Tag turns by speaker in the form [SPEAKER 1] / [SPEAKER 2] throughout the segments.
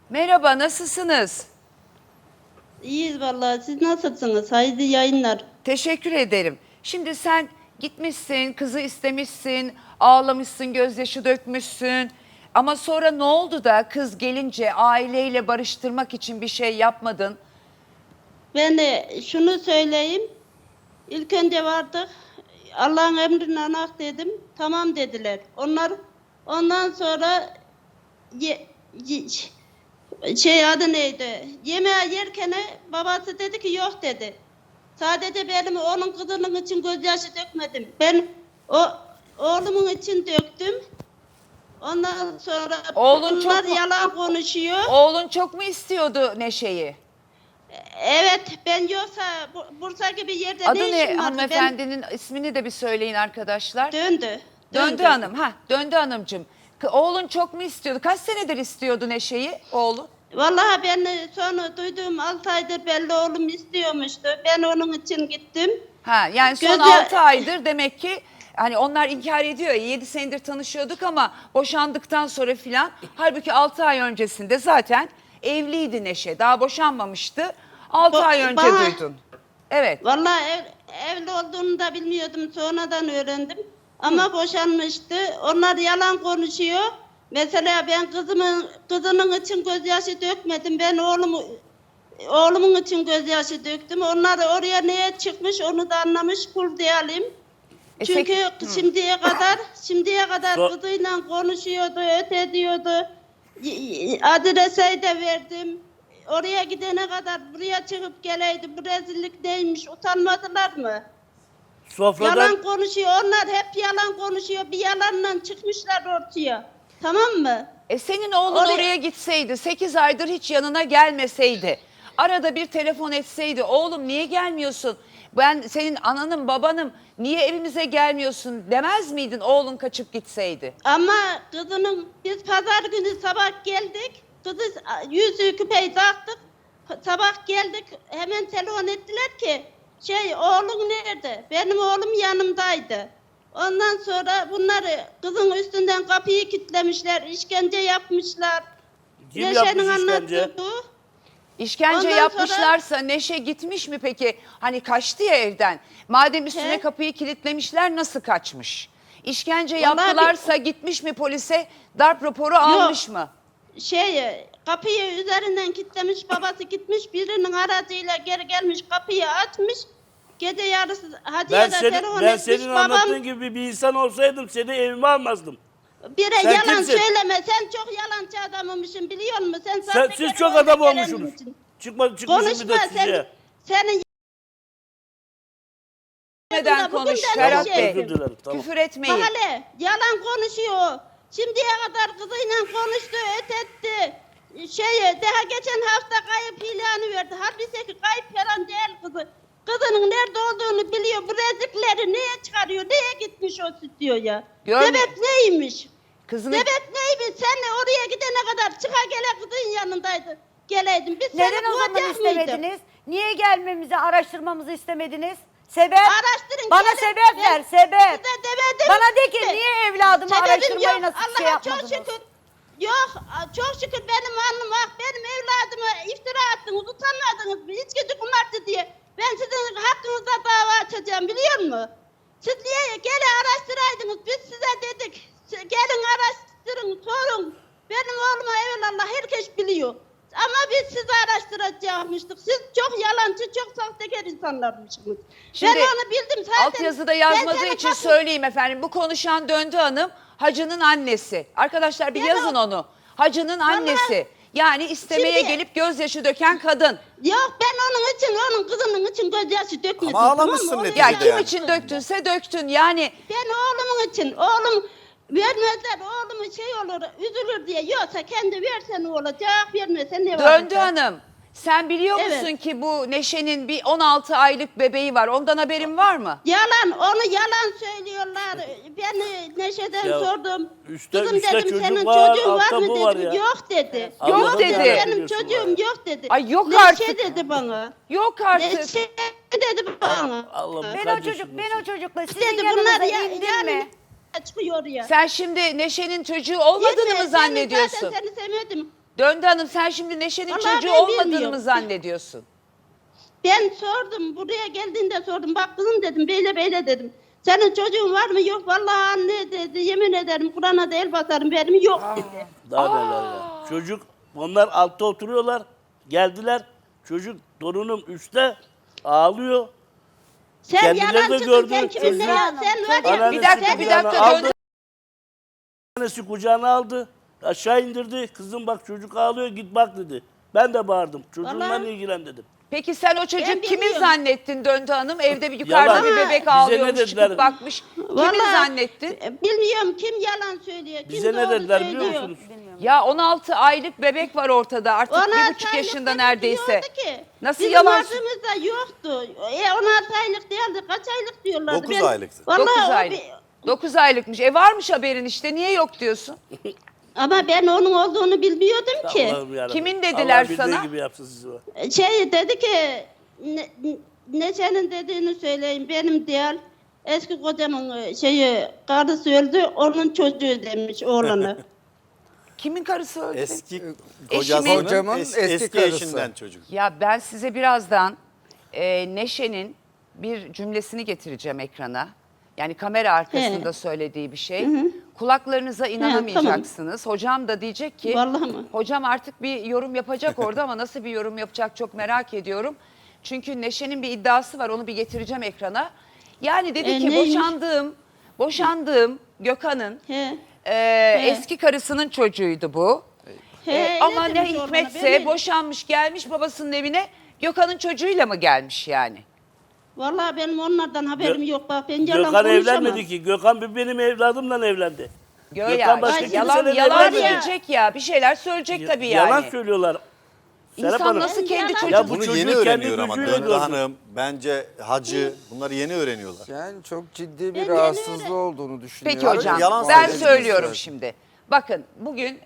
[SPEAKER 1] Merhaba, nasılsınız?
[SPEAKER 2] İyiyiz vallahi. Siz nasılsınız? Hayırlı yayınlar.
[SPEAKER 1] Teşekkür ederim. Şimdi sen gitmişsin, kızı istemişsin, ağlamışsın, gözyaşı dökmüşsün. Ama sonra ne oldu da kız gelince aileyle barıştırmak için bir şey yapmadın?
[SPEAKER 2] Ben de şunu söyleyeyim. İlk önce vardık. Allah'ın emrine anak dedim. Tamam dediler. Ondan sonra adı neydi? Yemeği yerken babası dedi ki yok dedi. Sadece benim onun kızının için gözyaşı dökmedim. Ben oğlumun için döktüm. Ondan sonra
[SPEAKER 1] Oğlun
[SPEAKER 2] bunlar
[SPEAKER 1] çok mu-
[SPEAKER 2] yalan konuşuyor.
[SPEAKER 1] Oğlun çok mu istiyordu Neşe'yi?
[SPEAKER 2] Evet, ben yoksa Bursa gibi yerde
[SPEAKER 1] Adı
[SPEAKER 2] ne
[SPEAKER 1] ne
[SPEAKER 2] işim vardı?
[SPEAKER 1] hanımefendinin ismini de bir söyleyin arkadaşlar.
[SPEAKER 2] Döndü.
[SPEAKER 1] Döndü Hanım. Döndü Hanımcığım. Oğlun çok mu istiyordu? Kaç senedir istiyordu Neşe'yi oğlun?
[SPEAKER 2] Vallahi ben sonra duyduğum 6 aydır belli oğlum istiyormuştu. Ben onun için gittim.
[SPEAKER 1] Yani son
[SPEAKER 2] Gözde-
[SPEAKER 1] 6 aydır demek ki hani onlar inkar ediyor ya 7 senedir tanışıyorduk ama boşandıktan sonra filan. Halbuki 6 ay öncesinde zaten evliydi Neşe. Daha boşanmamıştı. 6 ay önce duydun. Evet.
[SPEAKER 2] Vallahi evli olduğunu da bilmiyordum. Sonradan öğrendim. Ama boşanmıştı. Onlar yalan konuşuyor. Mesela ben kızının için gözyaşı dökmedim. Ben oğlumun için gözyaşı döktüm. Onlar oraya neye çıkmış onu da anlamış kul diyelim. Çünkü şimdiye kadar kızıyla konuşuyordu, öte diyordu. Adrese de verdim. Oraya gidene kadar buraya çıkıp geleydi. Bu rezillik neymiş? Utanmadılar mı?
[SPEAKER 3] Sofradan
[SPEAKER 2] Yalan konuşuyor. Onlar hep yalan konuşuyor. Bir yalanla çıkmışlar ortaya. Tamam mı?
[SPEAKER 1] Senin oğlun oraya gitseydi 8 aydır hiç yanına gelmeseydi. Arada bir telefon etseydi oğlum niye gelmiyorsun? Ben senin ananım babanım niye evimize gelmiyorsun demez miydin oğlun kaçıp gitseydi?
[SPEAKER 2] Ama biz pazar günü sabah geldik. Kızı yüzüğü küpeyi taktık. Sabah geldik hemen telefon ettiler ki oğlun nerede? Benim oğlum yanımdaydı. Ondan sonra bunları kızın üstünden kapıyı kilitlemişler, işkence yapmışlar.
[SPEAKER 3] kim
[SPEAKER 2] Neşe'nin
[SPEAKER 3] yapmış işkence?
[SPEAKER 2] anlattığı bu.
[SPEAKER 1] İşkence
[SPEAKER 2] Ondan
[SPEAKER 1] yapmışlarsa Neşe gitmiş mi peki? Hani kaçtı ya evden. Madem üstüne
[SPEAKER 2] He.
[SPEAKER 1] kapıyı kilitlemişler nasıl kaçmış? İşkence
[SPEAKER 2] Vallahi
[SPEAKER 1] yaptılarsa gitmiş mi polise darp raporu almış mı?
[SPEAKER 2] Kapıyı üzerinden kilitlemiş, babası gitmiş birinin aracıyla geri gelmiş kapıyı açmış. Gece yarısı Hacı'ya da telefon
[SPEAKER 3] Ben
[SPEAKER 2] etmiş
[SPEAKER 3] senin
[SPEAKER 2] babam.
[SPEAKER 3] anlattığın gibi bir insan olsaydım seni evime almazdım.
[SPEAKER 2] Bire
[SPEAKER 3] Sen
[SPEAKER 2] yalan
[SPEAKER 3] kimsin?
[SPEAKER 2] söyleme, sen çok yalancı adammışsın biliyor musun?
[SPEAKER 3] Siz çok adam olmuşsunuz. Çıkmışsın
[SPEAKER 2] Konuşma
[SPEAKER 3] bir de size.
[SPEAKER 2] senin
[SPEAKER 1] Neden
[SPEAKER 2] bugün
[SPEAKER 1] konuş
[SPEAKER 2] de
[SPEAKER 1] Ferhat
[SPEAKER 2] Neşe.
[SPEAKER 1] Bey?
[SPEAKER 3] Özür dilerim, tamam.
[SPEAKER 1] Küfür etmeyin.
[SPEAKER 2] Bahane, yalan konuşuyor. Şimdiye kadar kızıyla konuştu, ötetti. Daha geçen hafta kayıp ilanı verdi. Halbuki kayıp falan değil kızı. Kızının nerede olduğunu biliyor. Bu rezillikleri neye çıkarıyor? Neye gitmiş o stüdyoya?
[SPEAKER 1] Görmüyor.
[SPEAKER 2] Sebep neymiş?
[SPEAKER 1] Kızını
[SPEAKER 2] Sebep neymiş? Sen oraya gidene kadar çıka gele kızın yanındaydı. Geleydin. Biz
[SPEAKER 4] Neden
[SPEAKER 2] seni
[SPEAKER 4] o zaman
[SPEAKER 2] kovacak mıydık?
[SPEAKER 4] istemediniz? Niye gelmemizi, araştırmamızı istemediniz? Sebep?
[SPEAKER 2] Araştırın.
[SPEAKER 4] Bana
[SPEAKER 2] gelin.
[SPEAKER 4] sebep
[SPEAKER 2] Ben
[SPEAKER 4] ver, sebep.
[SPEAKER 2] Size demedim.
[SPEAKER 4] Bana de ki niye evladımı
[SPEAKER 2] Sebebim
[SPEAKER 4] araştırmayı
[SPEAKER 2] yok.
[SPEAKER 4] nasıl
[SPEAKER 2] Allah'a
[SPEAKER 4] şey yapmadınız?
[SPEAKER 2] çok şükür. Yok çok şükür benim alnım ah benim evladıma iftira attınız utanmadınız mı? İçkici kumardı diye. Ben sizin hakkınızda dava açacağım biliyor musun? Siz niye gelin araştıraydınız biz size dedik. Gelin araştırın sorun. Benim oğluma evvelallah herkes biliyor. Ama biz sizi araştıracakmıştık. Siz çok yalancı, çok sahtekar insanlarmışsınız.
[SPEAKER 1] Şimdi
[SPEAKER 2] ben onu bildim zaten.
[SPEAKER 1] altyazıda
[SPEAKER 2] Ben
[SPEAKER 1] yazmadığı
[SPEAKER 2] senin
[SPEAKER 1] için
[SPEAKER 2] kapın-
[SPEAKER 1] söyleyeyim efendim. Bu konuşan Döndü Hanım Hacı'nın annesi. Arkadaşlar bir
[SPEAKER 2] Ben
[SPEAKER 1] yazın onu. Hacı'nın annesi. Yani istemeye
[SPEAKER 2] Şimdi-
[SPEAKER 1] gelip gözyaşı döken kadın.
[SPEAKER 2] Yok ben onun kızının için gözyaşı dökmedim.
[SPEAKER 5] Ama ağlamışsın
[SPEAKER 2] tamam mı?
[SPEAKER 5] neticede
[SPEAKER 1] Ya
[SPEAKER 2] Onu
[SPEAKER 1] kim
[SPEAKER 5] yani.
[SPEAKER 1] için döktünse döktün. Yani
[SPEAKER 2] Ben oğlumun için, oğlum vermezler, oğlumun olur, üzülür diye. Yoksa kendi verse ne olacak, vermese ne olacak?
[SPEAKER 1] Döndü Hanım. Sen biliyor
[SPEAKER 2] Evet.
[SPEAKER 1] musun ki bu Neşe'nin bir 16 aylık bebeği var. Ondan haberin var mı?
[SPEAKER 2] Onu yalan söylüyorlar. Ben Neşe'den
[SPEAKER 3] Ya,
[SPEAKER 2] sordum.
[SPEAKER 3] üstte
[SPEAKER 2] Kızım dedim
[SPEAKER 3] çocuk
[SPEAKER 2] senin
[SPEAKER 3] var,
[SPEAKER 2] çocuğun var
[SPEAKER 3] altta
[SPEAKER 2] mı
[SPEAKER 3] bu var
[SPEAKER 2] dedim.
[SPEAKER 3] ya.
[SPEAKER 2] Yok dedi.
[SPEAKER 1] Yok
[SPEAKER 3] Allah'ım
[SPEAKER 1] dedi.
[SPEAKER 3] yarabbim
[SPEAKER 2] Benim
[SPEAKER 3] diyorsun
[SPEAKER 2] çocuğum
[SPEAKER 3] var ya.
[SPEAKER 2] yok dedi.
[SPEAKER 1] Ay yok
[SPEAKER 2] Neşe
[SPEAKER 1] artık.
[SPEAKER 2] dedi bana.
[SPEAKER 1] Yok artık.
[SPEAKER 2] Neşe dedi bana.
[SPEAKER 3] Allah'ım
[SPEAKER 4] Ben o çocukla sizin
[SPEAKER 2] Dedi
[SPEAKER 4] yanınıza
[SPEAKER 2] bunlar
[SPEAKER 4] indim mi?
[SPEAKER 2] çıkıyor ya.
[SPEAKER 1] Sen şimdi Neşe'nin çocuğu olmadığını mı
[SPEAKER 2] Yetmiyor,
[SPEAKER 1] zannediyorsun?
[SPEAKER 2] Zaten seni sevmedim.
[SPEAKER 1] Döndü Hanım, sen şimdi Neşe'nin
[SPEAKER 2] Vallahi
[SPEAKER 1] çocuğu
[SPEAKER 2] ben
[SPEAKER 1] olmadığını mı
[SPEAKER 2] bilmiyorum.
[SPEAKER 1] zannediyorsun?
[SPEAKER 2] Ben sordum, buraya geldiğinde sordum. Bak kızım dedim, böyle dedim. Senin çocuğun var mı? Yok vallahi anne dedi. Yemin ederim Kur'an'a da el basarım, benim yok dedi.
[SPEAKER 3] Daha neler ya. Çocuk, onlar altta oturuyorlar. Geldiler. Çocuk, torunum üstte ağlıyor.
[SPEAKER 2] Sen
[SPEAKER 3] Kendileri
[SPEAKER 2] yalan
[SPEAKER 3] de
[SPEAKER 2] çıktın,
[SPEAKER 3] gördü,
[SPEAKER 2] sen kiminle
[SPEAKER 3] çocuğu-
[SPEAKER 2] ya? Sen var ya.
[SPEAKER 3] Anneannesi
[SPEAKER 1] Bir dakika
[SPEAKER 3] kucağına
[SPEAKER 1] Döndü.
[SPEAKER 3] aldı. Annesi kucağına aldı. Aşağı indirdi. Kızım bak çocuk ağlıyor, git bak dedi. Ben de bağırdım. Çocuğumla
[SPEAKER 2] Vallahi-
[SPEAKER 3] ilgilen dedim.
[SPEAKER 1] Peki sen o çocuk
[SPEAKER 2] Ben
[SPEAKER 1] kimin
[SPEAKER 2] bilmiyorum.
[SPEAKER 1] zannettin Döndü Hanım? Evde bir yukarıda
[SPEAKER 3] Yalan.
[SPEAKER 1] bir bebek
[SPEAKER 3] Bize
[SPEAKER 1] ağlıyormuş,
[SPEAKER 3] ne dediler?
[SPEAKER 1] çıkıp bakmış. Kimin zannettin?
[SPEAKER 2] Bilmiyorum kim yalan söylüyor, kim
[SPEAKER 3] Bize ne
[SPEAKER 2] doğru
[SPEAKER 3] dediler
[SPEAKER 2] söylüyor.
[SPEAKER 3] biliyor musunuz?
[SPEAKER 1] Ya 16 aylık bebek var ortada, artık 1,5
[SPEAKER 2] aylık
[SPEAKER 1] yaşında
[SPEAKER 2] bebek
[SPEAKER 1] neredeyse.
[SPEAKER 2] diyordu ki,
[SPEAKER 1] Nasıl
[SPEAKER 2] bizim
[SPEAKER 1] yalan?
[SPEAKER 2] vardığımızda yoktu. 16 aylık değildi, kaç aylık diyorlardı.
[SPEAKER 5] 9 aylıktı.
[SPEAKER 2] Vallahi
[SPEAKER 1] 9
[SPEAKER 2] o
[SPEAKER 1] aylık. 9 aylıkmış. Varmış haberin işte. Niye yok diyorsun?
[SPEAKER 2] ama ben onun olduğunu bilmiyordum ki.
[SPEAKER 3] Allah'ım yarabbim.
[SPEAKER 1] Kimin dediler
[SPEAKER 3] Allah bildiği
[SPEAKER 1] sana?
[SPEAKER 3] gibi yapsın sizi.
[SPEAKER 2] Dedi ki ne senin dediğini söyleyeyim, benim değil. Eski kocamın karısı öldü, onun çocuğu demiş oğlanı.
[SPEAKER 1] Kimin karısı öldü?
[SPEAKER 5] Eski
[SPEAKER 1] Eşimin-
[SPEAKER 5] kocasının
[SPEAKER 6] eski
[SPEAKER 5] eski
[SPEAKER 6] karısı.
[SPEAKER 5] eşinden çocuk.
[SPEAKER 1] Ya ben size birazdan Neşe'nin bir cümlesini getireceğim ekrana. Yani kamera arkasında
[SPEAKER 2] He.
[SPEAKER 1] söylediği bir şey. Kulaklarınıza inanamayacaksınız. Hocam da diyecek ki,
[SPEAKER 2] Vallahi mi?
[SPEAKER 1] hocam artık bir yorum yapacak orada ama nasıl bir yorum yapacak çok merak ediyorum. Çünkü Neşe'nin bir iddiası var, onu bir getireceğim ekrana. Yani dedi ki
[SPEAKER 2] neymiş?
[SPEAKER 1] boşandığım Gökhan'ın
[SPEAKER 2] He.
[SPEAKER 1] eski karısının çocuğuydu bu.
[SPEAKER 2] He,
[SPEAKER 1] Ama
[SPEAKER 2] öyle
[SPEAKER 1] ne
[SPEAKER 2] demiş oğlana,
[SPEAKER 1] hikmetse
[SPEAKER 2] ben de-
[SPEAKER 1] boşanmış gelmiş babasının evine, Gökhan'ın çocuğuyla mı gelmiş yani?
[SPEAKER 2] Vallahi benim onlardan haberim yok, bak ben yalan
[SPEAKER 3] Gökhan
[SPEAKER 2] konuşamam.
[SPEAKER 3] evlenmedi ki. Gökhan benim evladımla evlendi.
[SPEAKER 1] Gör
[SPEAKER 3] Gökhan
[SPEAKER 1] ya,
[SPEAKER 3] başka
[SPEAKER 1] yalan
[SPEAKER 3] kimseyle
[SPEAKER 1] yalan
[SPEAKER 3] evlenmedi.
[SPEAKER 1] diyecek ya, bir şeyler söyleyecek tabii yani.
[SPEAKER 3] Yalan söylüyorlar. Serap
[SPEAKER 1] İnsan
[SPEAKER 3] Hanım.
[SPEAKER 1] nasıl kendi
[SPEAKER 2] Yalan-
[SPEAKER 1] çocuğu...
[SPEAKER 3] Ya bu
[SPEAKER 5] Bunu
[SPEAKER 3] çocuğu
[SPEAKER 5] yeni
[SPEAKER 3] kendi
[SPEAKER 5] öğreniyor ama
[SPEAKER 3] gözüyle
[SPEAKER 5] Döndü
[SPEAKER 3] gördü.
[SPEAKER 5] Hanım, bence Hacı bunları yeni öğreniyorlar.
[SPEAKER 6] Yani çok ciddi bir
[SPEAKER 2] Ben
[SPEAKER 6] rahatsızlığı
[SPEAKER 2] yeni-
[SPEAKER 6] olduğunu düşünüyorum.
[SPEAKER 1] Peki hocam,
[SPEAKER 5] yalan
[SPEAKER 1] ben
[SPEAKER 5] söylüyorsunuz.
[SPEAKER 1] söylüyorum şimdi. Bakın bugün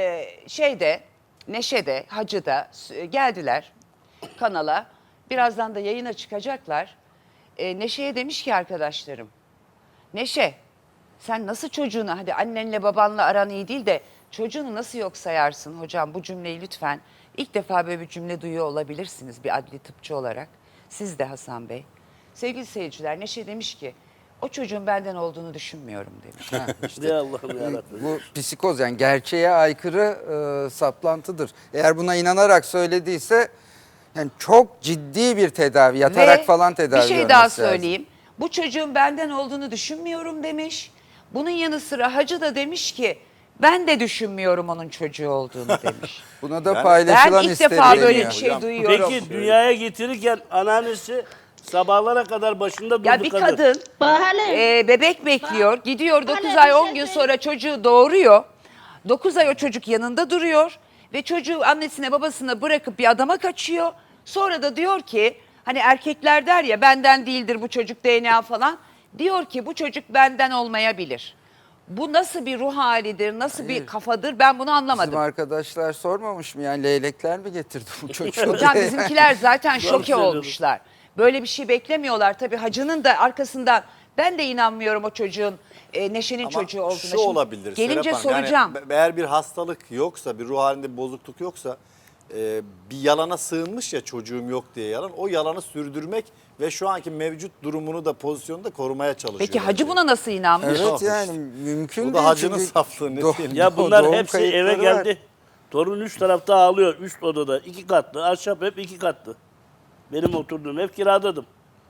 [SPEAKER 1] Neşe'de, Hacı'da geldiler kanala. Birazdan da yayına çıkacaklar. Neşe'ye demiş ki arkadaşlarım, Neşe sen nasıl çocuğunu, hadi annenle babanla aran iyi değil de çocuğunu nasıl yok sayarsın hocam, bu cümleyi lütfen. İlk defa böyle bir cümle duyuyor olabilirsiniz bir adli tıpçı olarak. Siz de Hasan Bey. Sevgili seyirciler, Neşe demiş ki o çocuğun benden olduğunu düşünmüyorum demiş.
[SPEAKER 3] Ne Allah'ım yarabbim.
[SPEAKER 6] Bu psikoz, yani gerçeğe aykırı saplantıdır. Eğer buna inanarak söylediyse yani çok ciddi bir tedavi, yatarak
[SPEAKER 1] Ve
[SPEAKER 6] falan tedavi
[SPEAKER 1] bir şey
[SPEAKER 6] görmesi
[SPEAKER 1] daha
[SPEAKER 6] lazım.
[SPEAKER 1] söyleyeyim. Bu çocuğun benden olduğunu düşünmüyorum demiş. Bunun yanı sıra Hacı da demiş ki ben de düşünmüyorum onun çocuğu olduğunu demiş.
[SPEAKER 6] Buna da
[SPEAKER 5] Ben
[SPEAKER 6] paylaşılan
[SPEAKER 1] Ben ilk defa böyle
[SPEAKER 6] isteniyor.
[SPEAKER 1] bir şey
[SPEAKER 5] Hocam,
[SPEAKER 1] duyuyorum.
[SPEAKER 3] Peki dünyaya getirirken anneannesi sabahlara kadar başında durdu
[SPEAKER 1] Ya bir kadın
[SPEAKER 2] Bahane.
[SPEAKER 1] bebek bekliyor, gidiyor 9
[SPEAKER 2] Hala
[SPEAKER 1] ay
[SPEAKER 2] bir
[SPEAKER 1] 10
[SPEAKER 2] şey
[SPEAKER 1] gün
[SPEAKER 2] söyle-
[SPEAKER 1] sonra çocuğu doğuruyor. 9 ay o çocuk yanında duruyor ve çocuğu annesine babasına bırakıp bir adama kaçıyor. Sonra da diyor ki, hani erkekler der ya benden değildir bu çocuk DNA falan. Diyor ki bu çocuk benden olmayabilir. Bu nasıl bir ruh halidir, nasıl bir kafadır, ben bunu anlamadım.
[SPEAKER 6] Bizim arkadaşlar sormamış mı, yani leylekler mi getirdi bu çocuğu?
[SPEAKER 1] Hocam
[SPEAKER 6] diye?
[SPEAKER 1] bizimkiler zaten
[SPEAKER 3] Doğru
[SPEAKER 1] şoke
[SPEAKER 3] söylüyorsun.
[SPEAKER 1] olmuşlar. Böyle bir şey beklemiyorlar. Tabii Hacı'nın da arkasından ben de inanmıyorum o çocuğun Neşe'nin
[SPEAKER 5] Ama
[SPEAKER 1] çocuğu olduğuna.
[SPEAKER 5] şu
[SPEAKER 1] Şimdi
[SPEAKER 5] olabilir
[SPEAKER 1] gelince
[SPEAKER 5] Serap Hanım,
[SPEAKER 1] soracağım.
[SPEAKER 5] Yani eğer bir hastalık yoksa, bir ruh halinde bir bozukluk yoksa bir yalana sığınmış ya çocuğum yok diye yalan. O yalanı sürdürmek ve şu anki mevcut durumunu da pozisyonu da korumaya çalışıyor.
[SPEAKER 1] Peki Hacı
[SPEAKER 5] bence.
[SPEAKER 1] buna nasıl inanmış?
[SPEAKER 6] Evet, yani mümkün
[SPEAKER 5] Bu da
[SPEAKER 6] değil.
[SPEAKER 5] Hacı'nın
[SPEAKER 6] çünkü
[SPEAKER 5] saflığı, ne diyeyim?
[SPEAKER 3] Ya bunlar
[SPEAKER 6] doğum
[SPEAKER 3] hepsi eve
[SPEAKER 6] kayıtları var.
[SPEAKER 3] geldi. Torun üst tarafta ağlıyor. Üst odada 2 katlı. Ahşap hep 2 katlı. Benim oturduğum ev kiradadım.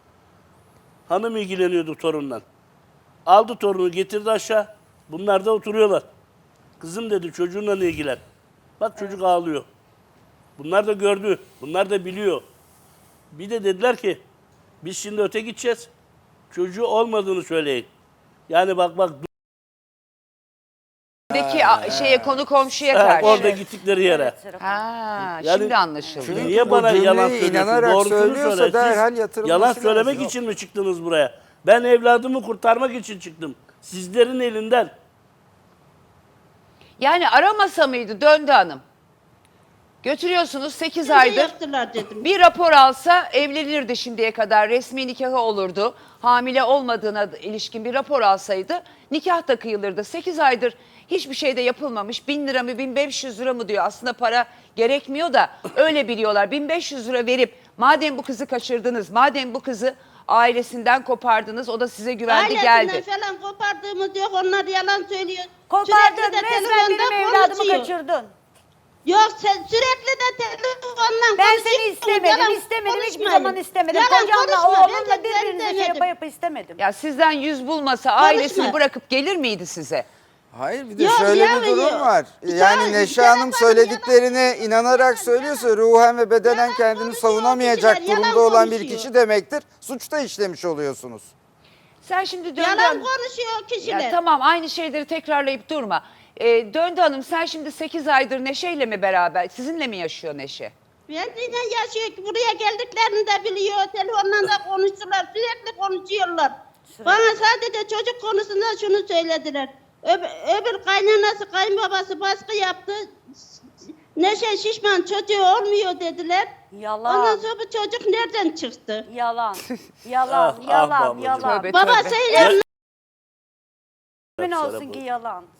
[SPEAKER 3] Hanım ilgileniyordu torundan. Aldı torunu getirdi aşağı. Bunlar da oturuyorlar. Kızım dedi çocuğunla ilgilen. Bak çocuk ağlıyor. Bunlar da gördü. Bunlar da biliyor. Bir de dediler ki biz şimdi öte gideceğiz. Çocuğu olmadığını söyleyin. Yani bak
[SPEAKER 1] Şeye konu komşuya
[SPEAKER 3] ha,
[SPEAKER 1] karşı.
[SPEAKER 3] orada gittikleri yere.
[SPEAKER 1] Ha,
[SPEAKER 3] Yani-
[SPEAKER 1] şimdi anlaşıldı.
[SPEAKER 6] Çünkü
[SPEAKER 3] Niye
[SPEAKER 6] bu
[SPEAKER 3] bana
[SPEAKER 6] cümleyi
[SPEAKER 3] yalan söylüyorsun?
[SPEAKER 6] inanarak
[SPEAKER 3] Doğrusunu
[SPEAKER 6] söylüyorsa
[SPEAKER 3] söyle.
[SPEAKER 6] derhal
[SPEAKER 3] Siz
[SPEAKER 6] yatırılması
[SPEAKER 3] yalan söylemek
[SPEAKER 6] lazım.
[SPEAKER 3] için mi çıktınız buraya? Ben evladımı kurtarmak için çıktım. Sizlerin elinden.
[SPEAKER 1] Yani aramasa mıydı Döndü Hanım? Götürüyorsunuz 8
[SPEAKER 2] Bizi
[SPEAKER 1] aydır.
[SPEAKER 2] yaktılar dedim.
[SPEAKER 1] Bir rapor alsa evlenirdi şimdiye kadar. Resmi nikahı olurdu. Hamile olmadığına ilişkin bir rapor alsaydı nikah da kıyılırdı. 8 aydır hiçbir şey de yapılmamış. 1000 lira mı 1500 lira mı diyor. Aslında para gerekmiyor da öyle biliyorlar. 1500 lira verip madem bu kızı kaçırdınız, madem bu kızı ailesinden kopardınız, o da size güvendi
[SPEAKER 2] Ailesinden
[SPEAKER 1] geldi.
[SPEAKER 2] falan kopardığımız yok. Onlar yalan söylüyor.
[SPEAKER 4] Kopardın,
[SPEAKER 2] Sürekli de
[SPEAKER 4] resmen
[SPEAKER 2] telefonda
[SPEAKER 4] benim evladımı
[SPEAKER 2] konuşuyor.
[SPEAKER 4] kaçırdın.
[SPEAKER 2] Yok sen sürekli de telefonla
[SPEAKER 4] Ben
[SPEAKER 2] konuşuyor.
[SPEAKER 4] seni istemedim,
[SPEAKER 2] Yalan
[SPEAKER 4] istemedim, hiçbir
[SPEAKER 2] konuşmayın.
[SPEAKER 4] zaman istemedim.
[SPEAKER 2] Yalan
[SPEAKER 4] Kocamla,
[SPEAKER 2] konuşma, ben
[SPEAKER 4] oğlumla
[SPEAKER 2] de seni
[SPEAKER 4] birbirinize şey
[SPEAKER 2] demedim.
[SPEAKER 4] yapa istemedim.
[SPEAKER 1] Ya sizden yüz bulmasa ailesini
[SPEAKER 2] Konuşma.
[SPEAKER 1] bırakıp gelir miydi size?
[SPEAKER 6] Hayır bir de
[SPEAKER 2] Yok,
[SPEAKER 6] şöyle
[SPEAKER 2] ya,
[SPEAKER 6] bir durum
[SPEAKER 2] yok.
[SPEAKER 6] var.
[SPEAKER 2] Ya,
[SPEAKER 6] Yani Neşe
[SPEAKER 2] Serap
[SPEAKER 6] Hanım
[SPEAKER 2] Hanım
[SPEAKER 6] söylediklerine
[SPEAKER 2] yalan
[SPEAKER 6] inanarak
[SPEAKER 2] yalan,
[SPEAKER 6] söylüyorsa ruhen ve bedenen
[SPEAKER 2] Yalan
[SPEAKER 6] kendini
[SPEAKER 2] konuşuyor
[SPEAKER 6] savunamayacak
[SPEAKER 2] kişiler, yalan
[SPEAKER 6] durumda olan bir
[SPEAKER 2] konuşuyor.
[SPEAKER 6] kişi demektir. Suçta işlemiş oluyorsunuz.
[SPEAKER 1] Sen şimdi Döndü
[SPEAKER 2] Yalan
[SPEAKER 1] Hanım-
[SPEAKER 2] konuşuyor kişiler.
[SPEAKER 1] Ya tamam, aynı şeyleri tekrarlayıp durma. Döndü Hanım, sen şimdi 8 aydır Neşe'yle mi beraber? Sizinle mi yaşıyor Neşe?
[SPEAKER 2] Benimle yaşıyor ki buraya geldiklerini de biliyor. Telefonla da konuştular. Sürekli konuşuyorlar. Bana sadece çocuk konusunda şunu söylediler. Öbür kaynanası, kayınbabası baskı yaptı. Neşe şişman çocuğu olmuyor dediler.
[SPEAKER 4] Yalan.
[SPEAKER 2] Ondan sonra bu çocuk nereden çıktı?
[SPEAKER 4] Yalan. Yalan,
[SPEAKER 3] Ah,
[SPEAKER 4] yalan,
[SPEAKER 3] babacığım.
[SPEAKER 4] yalan.
[SPEAKER 1] Tövbe,
[SPEAKER 2] Babası
[SPEAKER 1] tövbe.
[SPEAKER 2] ile
[SPEAKER 4] Emin olsun ki yalan.